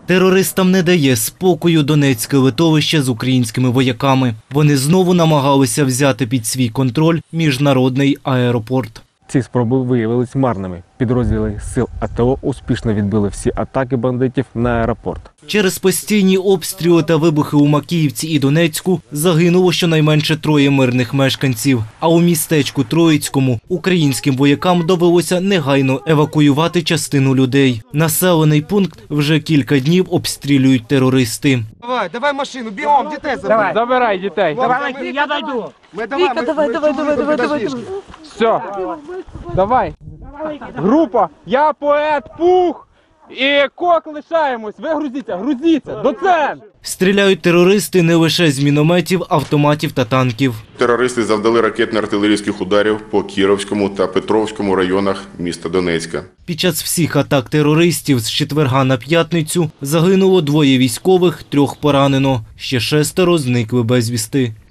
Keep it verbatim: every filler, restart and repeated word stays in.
Терористам не дає спокою Донецьке литовище з українськими вояками. Вони знову намагалися взяти під свій контроль міжнародний аеропорт. Ці спроби виявились марними. Підрозділи сил АТО успішно відбили всі атаки бандитів на аеропорт. Через постійні обстріли та вибухи у Макіївці і Донецьку загинуло щонайменше троє мирних мешканців. А у містечку Троїцькому українським воякам довелося негайно евакуювати частину людей. Населений пункт вже кілька днів обстрілюють терористи. Давай, давай машину, бігом, дітей забирай. Забирай дітей. Давай, я дойду. Ми давай, Віка, давай, давай, давай, давай, давай. Все, давай. Група, я поет, пух і кок лишаємось. Ви грузіться, грузіться, до центру. Стріляють терористи не лише з мінометів, автоматів та танків. Терористи завдали ракетно-артилерійських ударів по Кіровському та Петровському районах міста Донецька. Під час всіх атак терористів з четверга на п'ятницю загинуло двоє військових, трьох поранено. Ще шестеро зникли безвісти.